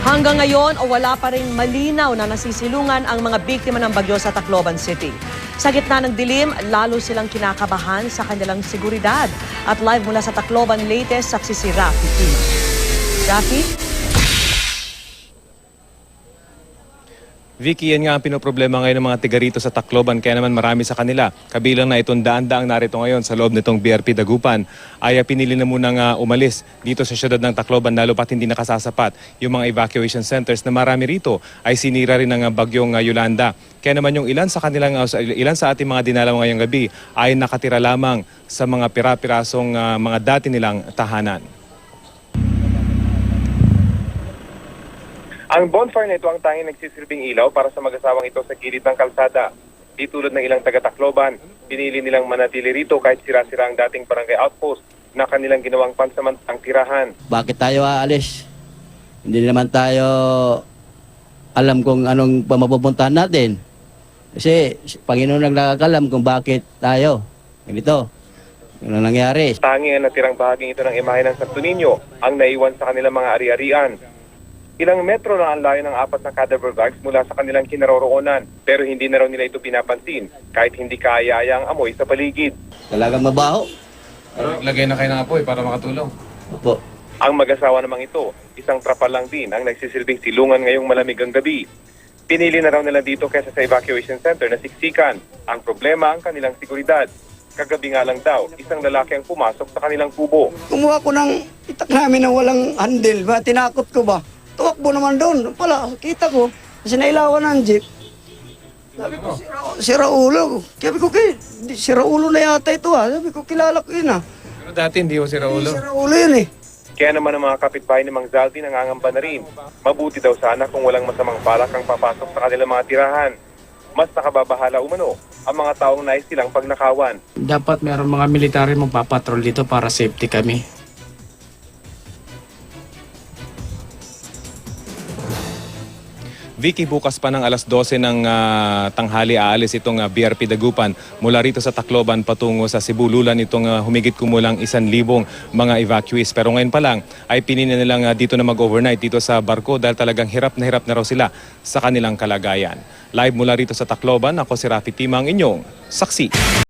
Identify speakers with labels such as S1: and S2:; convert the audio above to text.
S1: Hanggang ngayon, wala pa ring malinaw na nasisilungan ang mga biktima ng bagyo sa Tacloban City. Sa gitna ng dilim, lalo silang kinakabahan sa kanilang seguridad. At live mula sa Tacloban, latest, saksi si Rafi Tima. Rafi?
S2: Vicky, yan nga ang pinoproblema ngayon ng mga tiga rito sa Tacloban, kaya naman marami sa kanila. Kabilang na itong daan-daang narito ngayon sa loob nitong BRP Dagupan ay pinili na munang umalis dito sa siyudad ng Tacloban, lalo pat hindi nakasasapat yung mga evacuation centers na marami rito ay sinira rin ng bagyong Yolanda. Kaya naman yung ilan sa ating mga dinalaw ngayong gabi ay nakatira lamang sa mga pira-pirasong mga dati nilang tahanan. Ang bonfire na ito ang tanging nagsisilbing ilaw para sa mag-asawang ito sa gilid ng kalsada. Di tulad ng ilang taga-Tacloban, pinili nilang manatili rito kahit sira-sira ang dating barangay outpost na kanilang ginawang pansamantang tirahan.
S3: Bakit tayo aalis? Hindi naman tayo alam kung anong mapupuntahan natin. Kasi Panginoon ang nakakalam kung bakit tayo ganito. Ano nangyari?
S2: Tanging ang natirang bahaging ito ng imahe ng Santo Niño ang naiwan sa kanilang mga ari-arian. Ilang metro na ang layo ng 4 na cadaver bags mula sa kanilang kinaroroonan, pero hindi na raw nila ito pinapansin kahit hindi kaaya-aya ang amoy sa paligid.
S3: Talagang mabaho.
S2: Lagay na kayo ng apoy para makatulong.
S3: Opo.
S2: Ang mag-asawa namang ito, isang trapal lang din ang nagsisilbing silungan ngayong malamig ang gabi. Pinili na raw nila dito kaysa sa evacuation center na siksikan. Ang problema ang kanilang seguridad. Kagabi nga lang daw, isang lalaki ang pumasok sa kanilang kubo.
S4: Kumuha ko ng itak namin na walang handle ba? Tinakot ko ba? Tuwakbo naman doon. Pala, kita ko. Kasi nailawan ng jeep. Sabi ko, sira ulo. Sabi ko, sira ulo na yata ito ha. Sabi ko, kilala ko yun ha.
S2: Pero dati hindi ko sira ulo.
S4: Sira ulo yun eh.
S2: Kaya naman ang mga kapitbahay ni Mang Zaldi nangangamba na rin. Mabuti daw sana kung walang masamang balak ang papasok sa kanilang mga tirahan. Mas nakababahala umano ang mga taong nais silang pagnakawan.
S5: Dapat meron mga military magpapatrol dito para safety kami.
S2: Vicky, bukas pa ng alas 12 ng tanghali aalis itong BRP Dagupan mula rito sa Tacloban patungo sa Cebu. Lulan itong humigit kumulang 1,000 mga evacuees. Pero ngayon pa lang ay pinili nilang dito na mag-overnight dito sa barko dahil talagang hirap na raw sila sa kanilang kalagayan. Live mula rito sa Tacloban, ako si Rafi Tima, ang inyong saksi.